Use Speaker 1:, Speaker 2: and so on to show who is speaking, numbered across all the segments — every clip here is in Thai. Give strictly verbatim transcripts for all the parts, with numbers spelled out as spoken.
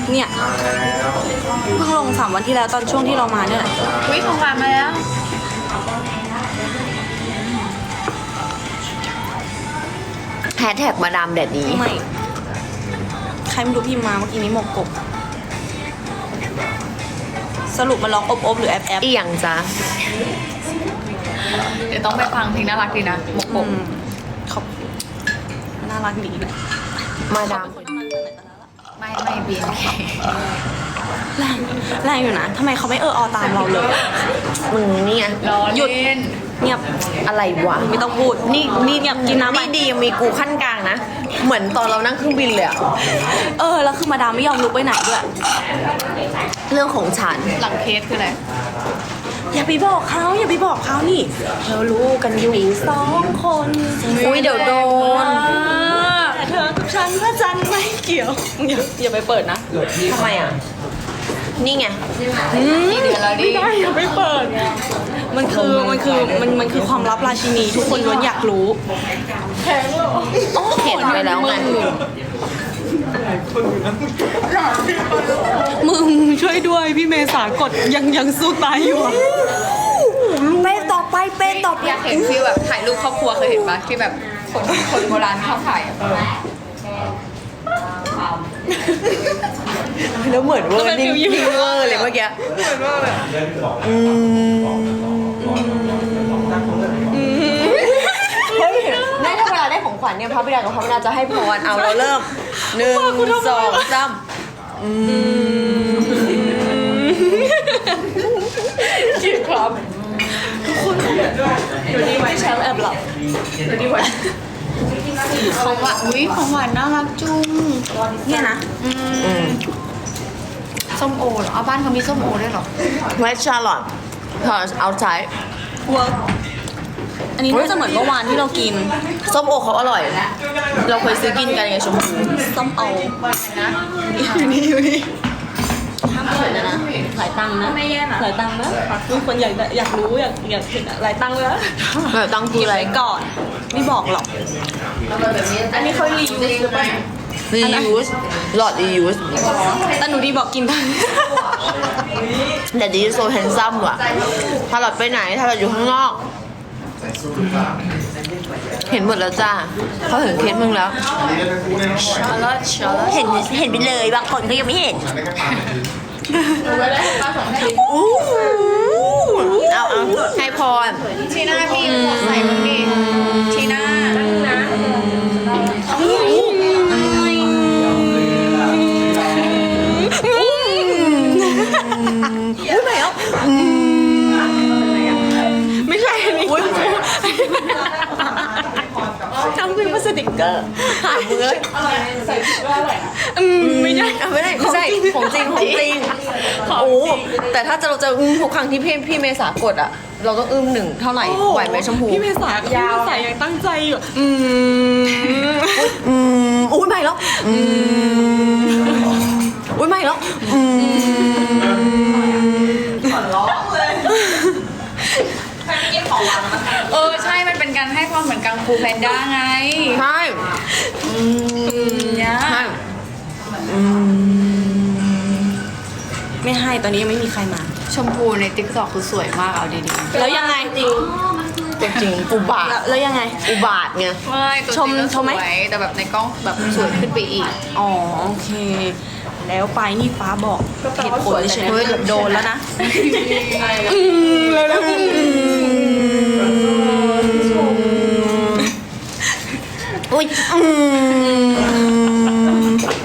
Speaker 1: เนี่ยเพิ่งลงสามวันที่แล้วตอนช่วงที่เรามาเนี่ยแหละ
Speaker 2: วิของหวานมาแล้ว
Speaker 3: แฮชแท็กมาดามแดดนี้
Speaker 1: ไม่ใครไม่รู้พิมพ์มาเมื่อกี้นี้หมกกบ สรุปมันร้องอบอบหรือแอบแอบ
Speaker 3: อีหยังจ้ะ
Speaker 2: เดี๋ยวต้องไปฟังเพลงน่ารักดีนะหมกกบ
Speaker 1: อืมขอบน่ารักดีเลย
Speaker 3: มาดาม
Speaker 2: ไม่ไม่บีน
Speaker 1: แรงแรงอยู่นะทำไมเขาไม่เออออตามเราเลย
Speaker 3: มึงนี่ไง
Speaker 2: รอ
Speaker 1: หยุด
Speaker 2: เล่น
Speaker 1: เงียบ
Speaker 3: อะไรวะ
Speaker 1: ไม่ต้องพูด
Speaker 3: นี่นี่
Speaker 1: เงียบกินน้ำไป
Speaker 3: นี่ดียังมีกูขั้นกลางนะ เหมือนตอนเรานั่งเครื่องบินเลยอะ
Speaker 1: เออแล้วคือมาดามไม่ยอมลุกไปไหนด้วย
Speaker 3: เรื่องของฉัน
Speaker 2: หลังเคสคืออะไร
Speaker 1: อย่าไปบอกเขาอย่าไปบอกเขานี่เรารู้กันอยู่สองคน
Speaker 3: อุ้ยเดี๋ยวโดน
Speaker 1: แต่เธอกับฉันพระจันทร์ไม่เกี่ยวอย่าอย่าไปเปิดนะ
Speaker 3: ทำไมอ่ะ นี่ไง
Speaker 2: กี่เดือนแล้วดิ
Speaker 1: ไม่ได้อย่าไปเปิด มันคือมันคือมันมันคือความลับราชินีทุกคนล้วนอยากรู้
Speaker 3: เห็นไปแล้วไง
Speaker 1: มึงช่วยด้วยพี่เมษากดยังยังสู้ตายอยู่อะ
Speaker 3: เป้ต่อไปเป้ต่อไป
Speaker 2: อยากเห็นฟิลแบบถ่ายรูปครอบครัวเคยเห็นปะที่แบบคนคนโบราณเข้าถ่ายอะ
Speaker 3: แล้วเหมือนเวอร์นิ่งนิ่งเวอร์เลยเมื่อกี้อืมเฮ้ยได้ถ้าเวลาได้ของขวัญเนี่ยพระบิดากับพระบิดาจะให้พรเอาเราเริ่มหนึ่งสองสามอืม
Speaker 2: คิดครับ
Speaker 1: อยู่ดีไว้แชมป์แอบหลับ
Speaker 2: ของหวานอุ้ยของหวานน่ารักจุง
Speaker 1: เนี่ยนะ
Speaker 3: อืม
Speaker 2: ส้มโอเหรอเอาบ้านเขามีส้มโอด้วยเหรอ
Speaker 3: เวชชาร์ลอตพอเอาใช้
Speaker 1: เวิร์กอันนี้น่าจะเหมือนเมื่อวานที่เรากิน
Speaker 3: ส้มโอเขาอร่อย เราเคยซื้อกินกันไงชมพู
Speaker 1: ส้มโออยู่นี่อยู่นี่ห้ามเปิดนะนะหลายตังค์นะไม่แย่นะหลายตังค์นะมีคนอยากได้อยากรู้อยากอยากเห็นอะหลายตังค์เลยนะ
Speaker 3: แบบตังคืออะไร
Speaker 1: ไว้ก่อนไม่บอกหรอก อันนี้เขารีวิวหรือเปล่า
Speaker 3: reuse หลอด reuse
Speaker 1: แต่หนูดีบอกกินได้
Speaker 3: แต่ดีโซแฮนซัมว่ะ ถ้าหลอดไปไหน ถ้าหลอดอยู่ข้างนอก เห็นหมดแล้วจ้าเขาเห็นเคสมึงแล้ว
Speaker 2: ชาร์ลอตชาร์ลอต
Speaker 3: เห็นเห็นไปเลย บางคนก็ยังไม่เห็น อู้หูเอาเอาให้พร
Speaker 2: ทีน่าพี่ใส่มึงดิทีน่า
Speaker 3: อุ้ยไหนอ่ะ
Speaker 1: ไม่ใช่อันนี้ทำเป็นพลาสติกเกอร์
Speaker 3: หายมือเลย
Speaker 1: อืมไม่ใช่
Speaker 3: อ่ะไม่ได้ไม่ใช่ของจริงของจริงโอ้แต่ถ้าจะเราจะอึ้งทุกครั้งที่พี่พี่เมษากดอ่ะ เราต้องอึ้งหนึ่งเท่าไหร่ไหวไหมชมพู
Speaker 1: พี่เมษากับพี่เมษายังตั้งใจอยู่ อืม
Speaker 3: อืมอุ้ยใหม่แล้วอืมอุ้ยใหม่แล้วอืม
Speaker 2: เออใช่มันเป็นการให้ความเหมือนกังฟูแพนด้าไง
Speaker 3: ใช่อืม
Speaker 2: เนี่ย
Speaker 3: ใช่อืม
Speaker 1: ไม่ให้ตอนนี้ยังไม่มีใครมา
Speaker 2: ชมพูในติ๊กต็อกคือสวยมากเอาดี
Speaker 1: แล้วยังไงจริง
Speaker 3: ตัวจริงอุบาท
Speaker 1: แล้วแล้วยังไง
Speaker 3: อุบาทไง
Speaker 2: ๆไม่ตัวจ
Speaker 1: ชม
Speaker 2: ริงก็
Speaker 1: ชมไหม
Speaker 2: สวยแต่แบบในกล้องแบบสวยขึ้นไปอีก
Speaker 1: อ๋อโอเค แล้วไปนี่ฟ้าบอกเหตุผลเลยใช่ไหมเกือบโดนแล้วนะอืมแล้วแล้วอืม
Speaker 3: อุ้ยอืม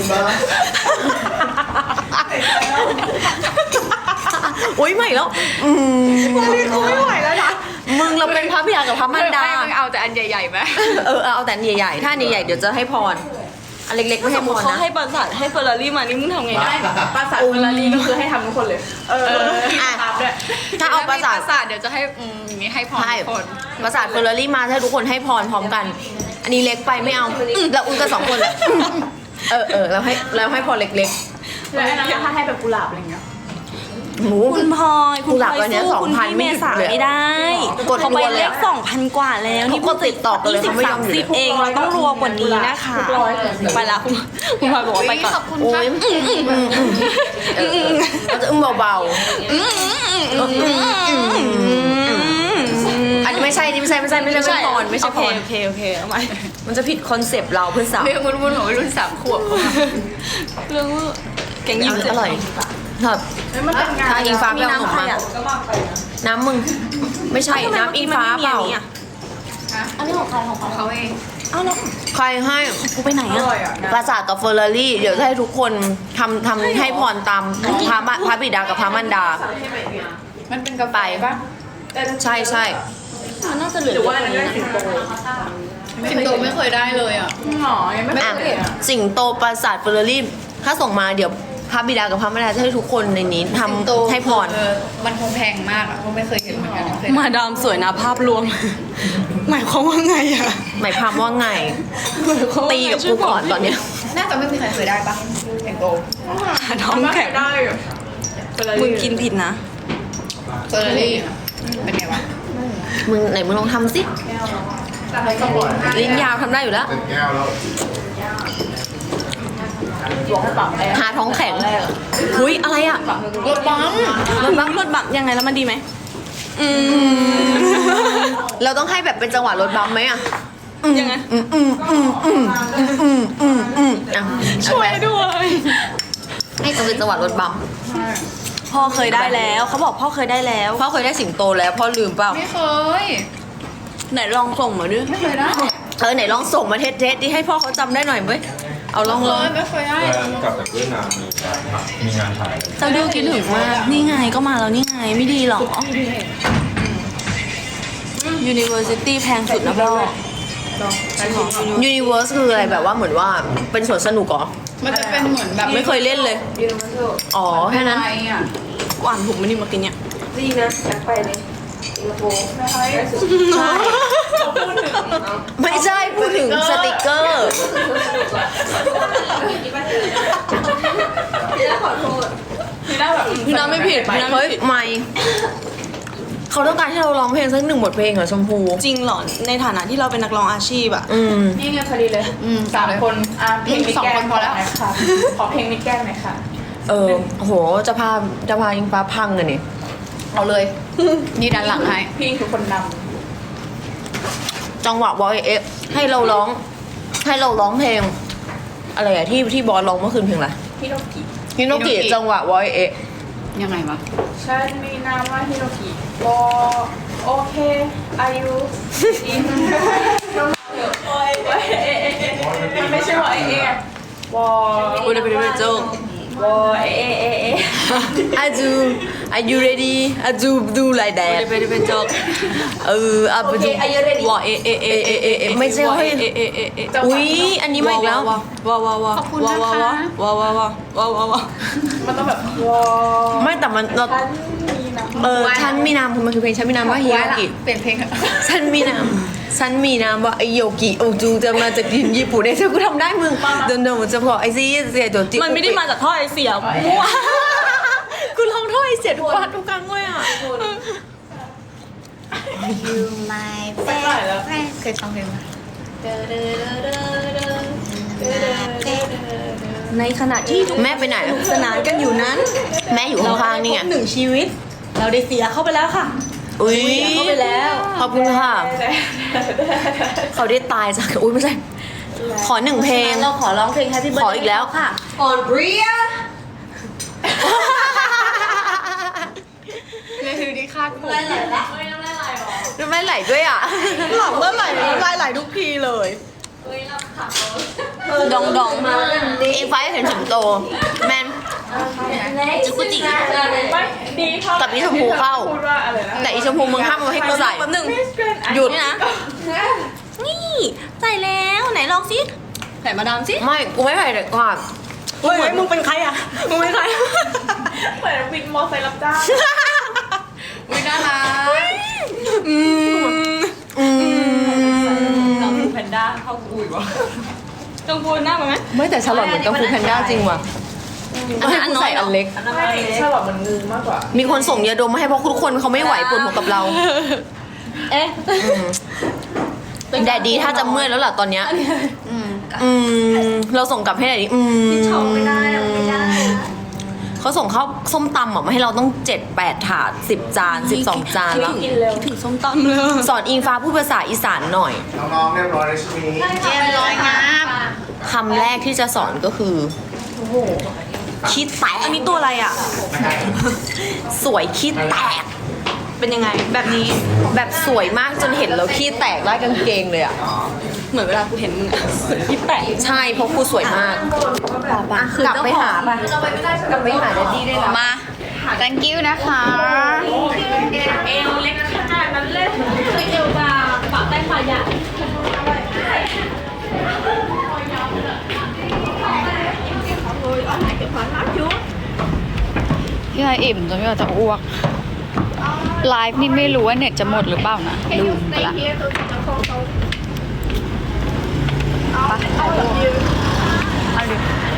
Speaker 3: อุ้ยใหม่แล้วอืม
Speaker 1: วันนี้กูไม่ไหวแล้วนะ
Speaker 3: มึงเราเป็นพระบิดากับพระมารดา
Speaker 2: ไม่ไม่เอาแต่อันใหญ่ๆไหม
Speaker 3: เออเอาแต่อันใหญ่ๆถ้าอันใหญ่ๆเดี๋ยวจะให้พรอันเล็กๆไม่
Speaker 1: ส
Speaker 3: ให้
Speaker 1: ม
Speaker 3: พ
Speaker 1: มติ
Speaker 3: ร
Speaker 1: เขา
Speaker 3: นะ
Speaker 1: ให้ปราสาทให้เฟอร์รารี่มานี่มึงทำไงนะ
Speaker 2: ปราสาทเฟอร์รารี่ก็คือให้ทำทุกคนเลย เออ
Speaker 3: อ่ะถ้าเอาปราสาท
Speaker 2: ปราสาทเดี๋ยวจะให้อืมมีให้พร
Speaker 3: ใช่
Speaker 2: ทุกคน
Speaker 3: ปราสาทเฟอร์รารี่มาถ้าทุกคนให้พรพร้อมกัน อันนี้เล็กไปไม่เอาเราอุ้นกันสองคนแหละเออเออเราให้เราให้พรเล็ก
Speaker 2: แล้วอันนั้นถ้าให้แบบกุหลาบอะไรเงี้ย
Speaker 3: ๆหมู
Speaker 1: คุณพลอยคุณ
Speaker 3: กูหลับ
Speaker 1: พล
Speaker 3: วั
Speaker 1: อย
Speaker 3: นเนี้ย
Speaker 1: สู้คุณ
Speaker 3: สองพัน
Speaker 1: พี่เมษา
Speaker 3: ไม่หยุดเลย
Speaker 1: ไม่ได้
Speaker 3: กด
Speaker 1: เขาไป
Speaker 3: รัวเลย
Speaker 1: เล
Speaker 3: อะ
Speaker 1: ขสองพันกว่าแล้วนี่
Speaker 3: เขากดติดต่อกันเลย
Speaker 1: สิบ
Speaker 3: เขาไม่ยอ
Speaker 1: สาม
Speaker 3: มหยุด
Speaker 1: สิบเองเราต้องรัวกว่านี้นะคะไปละคุณคุณพลอยบอกว่าไปก่อน
Speaker 2: ขอบคุณ
Speaker 3: โอ้
Speaker 2: ค่ะ
Speaker 3: ยเออเราจะอึ้มเบาๆอันนี้ไม่ใช่นี่ไม่ใช่ไม่ใช่ไม่ใช่ไม่ใช่พรไม่ใช่พร
Speaker 1: โอเคโอเคโอเคเอาใหม่
Speaker 3: มันจะผิดคอนเซปต์เราเพื่อนสาว
Speaker 2: เรื่องวุ่นๆของวัยรุ่นสามขวบ
Speaker 1: เรื่องว่าแกงยิ้ม
Speaker 3: อร่อยครับทางอิงฟ้า
Speaker 1: มี
Speaker 3: ไปเอาขนม
Speaker 1: น้ำใคร
Speaker 3: มา
Speaker 1: อ่ะ
Speaker 3: น้ำมึง ไม่ใช่น้ำอิงฟ้าเปล่า
Speaker 1: อันนี้ของใครของใคร
Speaker 2: เขาเอง
Speaker 1: เอ้าแล้ว
Speaker 3: ใครให้
Speaker 1: กูไปไหนอ่ะ
Speaker 3: ปราสาทกับเฟอร์รารี่เดี๋ยวจะให้ทุกคนทำทำให้พรตามพระมะพระบิดากับพระมันดา
Speaker 2: มันเป็นกาแฟป่ะ
Speaker 3: ใช่ใช่
Speaker 1: มันน่าจะเหลือเยอะกว่านี้นะ
Speaker 2: สิงโตไม่เคยได้เลยอ่ะหรอยังไม่
Speaker 3: อ่ะ
Speaker 2: เคยเห็นอ่ะ
Speaker 3: สิงโตปราสาทเฟอร์รารี่ถ้าส่งมาเดี๋ยวพระบิดากับพระมันดาจะให้ทุกคนในนี้ทำให้พร
Speaker 2: เออมันคงแพงมากอ่ะเขาไม่เคยเห็นเหมือนกันเคย
Speaker 1: มาดามสวยนะภาพรวม หมายความว่าไงอ่ะ
Speaker 3: หมายความว่าไง ตีกับกูก่อนตอนเนี้ย
Speaker 2: น่าจะไม่มีใครเคยได้ปะสิงโต
Speaker 1: ท้องแข็งมึงกินผิดนะ
Speaker 2: เฟอร์รารี่เป็นไงวะ
Speaker 3: มึงไหนมึงลองทำสิลิ้นยาวทำได้อยู่แล้ว
Speaker 4: เต็มแก้วแล้ว
Speaker 3: หาท้องแข็งหุยอะไรอ่ะ
Speaker 2: รถบัม
Speaker 1: รถบัมรถบัมยังไงแล้วมันดีไหมอืม
Speaker 3: เราต้องให้แบบเป็นจังหวะรถบัมไหมอ่ะ
Speaker 1: ยังไง
Speaker 3: อืมอืมอืมอืมอืมอืมอืมอ่ะ
Speaker 1: ช่วยด้วย
Speaker 3: ให้จะเป็นจังหวะรถบัม
Speaker 1: พ่อเคยได้แล้วเขาบอกพ่อเคยได้แล้ว
Speaker 3: พ่อเคยได้สิงโตแล้วพ่อลืมเปล่า
Speaker 2: ไม่เคย
Speaker 1: ไหนลองส่งมาดิ
Speaker 2: ไม่เคยได้
Speaker 3: เออไหนลองส่งมาเทสเทสดิให้พ่อเขาจำได้หน่อยเว้ยเอาลองลอง
Speaker 2: ไม่เคยได้
Speaker 4: กลับจากเวียดนามมีการมีงานถ่าย
Speaker 1: เจ้าดิวคิดถึงมากนี่ไงก็มาแล้วนี่ไงไม่ดีหรอ University แพงสุดนะพ่อ
Speaker 3: ยูนิเว r ร์สคืออะไรแบบว่าเหมือนว่าเป็นสวนสนุกเหรอ
Speaker 2: มันจะเป็นเหมือนแบบ
Speaker 3: ไม่เคยเล่นเลย อ๋อแค่นั้น
Speaker 2: ไอ่ะ
Speaker 1: หวานถูกไหมนี่มากินเนี่ย
Speaker 3: ใช่ไม่ใช่พูดถึงสติกเกอร์
Speaker 1: พี่น้าไม่ผิดพี่น้าไม่
Speaker 3: เฮ้ย
Speaker 1: ผิด
Speaker 3: ไม่เขาต้องการให้เราร้องเพลงสักหนึ่งบทเพลงเหรอชมพู
Speaker 1: จริงเหรอในฐานะที่เราเป็นนักร้องอาชีพอะ
Speaker 3: อืม
Speaker 5: นี่ไงพอดีเลย
Speaker 2: อืม
Speaker 5: สามคนอ่ะเพลงมิด
Speaker 2: สอง
Speaker 5: แก้
Speaker 2: คนพอแล้ว
Speaker 5: หน่ยค่ะขอเพลงมิดแก้มหน่อยค่ะ
Speaker 3: เออโหจะพาจะพาอิงฟ้าพังเลยนี่
Speaker 2: เอาเลย นี่ดันหลังให้
Speaker 5: พี่คือคนน
Speaker 3: จังหวะบอยเอะให้เราร้อง ให้เราร้องเพลง อะไรอะที่ที่บอสร้องเมื่อคืนเพลงอะไร
Speaker 5: ำฮิโนกิ
Speaker 3: ฮิโนกิจังหวะบอยเอะ
Speaker 2: ยังไงวะ
Speaker 5: ฉันมีนามว่าฮิโนกิโอโอเคอายุอินโอ้ยเอ๊ะเอ๊ะเอ๊ะเอ๊ะมันไม่ใช่ว่าเอ๊ะเอ๊ะวอ
Speaker 1: กูได้ไปด้วยโจ๊ก
Speaker 5: วอเอ๊ะเอ๊ะเอ๊ะ
Speaker 3: อาจู are you ready อาจูดูไลแด
Speaker 1: กู
Speaker 3: ด
Speaker 1: ได้ไปด้วยโจ๊ก
Speaker 3: เอออา
Speaker 5: โอ
Speaker 3: ไป
Speaker 5: เค
Speaker 3: ดู
Speaker 5: อายุเรดี้
Speaker 1: วอเอเอเอเอเอเอ
Speaker 3: ไม่ใช่เฮ้ย
Speaker 1: เอเอเอเอ
Speaker 3: อุ๊ยอันนี้มาอีกแล้ว
Speaker 1: ว้าวว้าวว้าว
Speaker 2: ขอบคุณ
Speaker 1: ว้าว
Speaker 2: นะ
Speaker 1: ว้าว
Speaker 2: คะ
Speaker 1: ว้าวว้าวว้าวว้าวว้าวว้าว
Speaker 5: มันต้องแบบวอ
Speaker 3: ไม่แต่มันเรา
Speaker 5: ฉันมีนาม
Speaker 3: เออฉันมีนามคือมันคือเพลงฉันมีนามว่าฮิโยกิ
Speaker 2: เปลี่ยนเพลงเถอะ
Speaker 3: ฉันมีนามฉันมีนามว่าไอโยกิโอจูจะมาจากญี่ปุ่นไอ้เธอกูทำได้มึงเดินเดินมันจะพอไอซีเสียตัวจิ
Speaker 1: มันไม่ได้มาจากท่อไอเสียมั่ว
Speaker 3: กูร้องท่อไอเสียทุกวันทุกครั้งเลยอ่ะ
Speaker 2: You my
Speaker 5: ไปไหนแล้ว
Speaker 2: friend เคยฟังเพลงไหม
Speaker 1: ในขณะที่ทุก
Speaker 3: แม่ไปไหน
Speaker 1: สนุกสนานกันอยู่นั้น
Speaker 3: แม่อยู่ข้างๆนี่ไง
Speaker 1: เราได้พบหนึ่งชีวิต เราได้เสียเข้าไปแล้วค่ะ
Speaker 3: อุ้ย
Speaker 1: เสียเข้าไปแล้ว
Speaker 3: ขอบคุณค่ะ เขาได้ตายจากอุ้ยไม่ใช่ ขอหนึ่งเพลง
Speaker 1: เราขอร้องเพลง Happy Birthday
Speaker 3: ขออีกแล้วค่ะ
Speaker 1: on Bria
Speaker 2: นี่คือที่คาดผม
Speaker 3: น้ำลายไหลด้วยอ่ะ
Speaker 1: หลับเมื่อไหร่น้ำลายไหลทุกทีเลยดองดองมา
Speaker 3: อิงฟ้าเห็นสิงโต แมน
Speaker 1: จุกุจิ
Speaker 5: ไม่ดีเท่า
Speaker 3: กับอีชมพูเข้า
Speaker 5: พูดว่าอะไรนะ
Speaker 3: แต่อีชมพูมึงห้ามมาให้กูใส่
Speaker 1: แป๊บหนึง
Speaker 3: หยุด
Speaker 1: นี่นะ นี่ใส่แล้วไหนลองสิใส่มาดามสิ
Speaker 3: ไม่ กูไม่ใส่เด็กก่อน
Speaker 1: เฮ้ยมึงเป็นใครอ่ะมึงเป็นใคร
Speaker 5: เหมือนวินมอไซค์รับจ้าง
Speaker 2: อุ้ยน่ารัก
Speaker 1: อืม
Speaker 3: อืม
Speaker 5: น้องแพนด้าเข้ากุยวะ
Speaker 1: ต้องพูดหน้ามาไหม
Speaker 3: ไม่แต่ฉลอดเหมือนกังฟูแพนด้าจริงว่ะ
Speaker 1: อ
Speaker 3: อันนั้นอันใส่อันเล็ก
Speaker 5: ไม่ชาลอตมันงือมากกว่า
Speaker 3: มีคนส่งยาดมมาให้เพราะทุกคนเขาไม่ไหวปวดหัวกับเรา
Speaker 1: เอ๊ะ
Speaker 3: แดดดีถ้าจะเมื่อยแล้วล่ะตอนเนี้ยอืมเราส่งกลับให้แดดดีอืมไม่ได้ไม่ได้เขาส่งข้าวส้มตำอ่ะมาให้เราต้องเจ็ดแปดถาดสิบจานสิบสองจานแล้ว
Speaker 1: คิดถึงส้มตำเลย
Speaker 3: สอนอิงฟ้าพูดภาษาอีสานหน่อย
Speaker 6: น้องๆเรียบร้อยแล้วใช่ไหม
Speaker 2: เรียบร้อยงาม
Speaker 3: คำแรกที่จะสอนก็คือขี้แตก
Speaker 1: อันนี้ตัวอะไรอ่ะ
Speaker 3: สวยขี้แตก
Speaker 1: เป็นยังไงแบบนี้
Speaker 3: แบบสวยมากจนเห็นแล้วขี้แตกได้กางเกงเลยอ่ะ
Speaker 1: เหมือนเวลากูเห็นมึงอะพี่แปะ
Speaker 3: ใช่เพราะครูสวยมาก กลับไปหาไปกลับไปหาแดดดี้ได้แล้ว
Speaker 2: มา thank you นะคะ
Speaker 5: เอวเล็กขนาดนั้นเลยเอวบางปากใต้ขาใหญ่
Speaker 2: พี่ไออิ่มจนพี่ไอจะอ้วก ไลฟ์นี่ไม่รู้ว่าเน็ตจะหมดหรือเปล่านะลืมไปละไปเอาดิ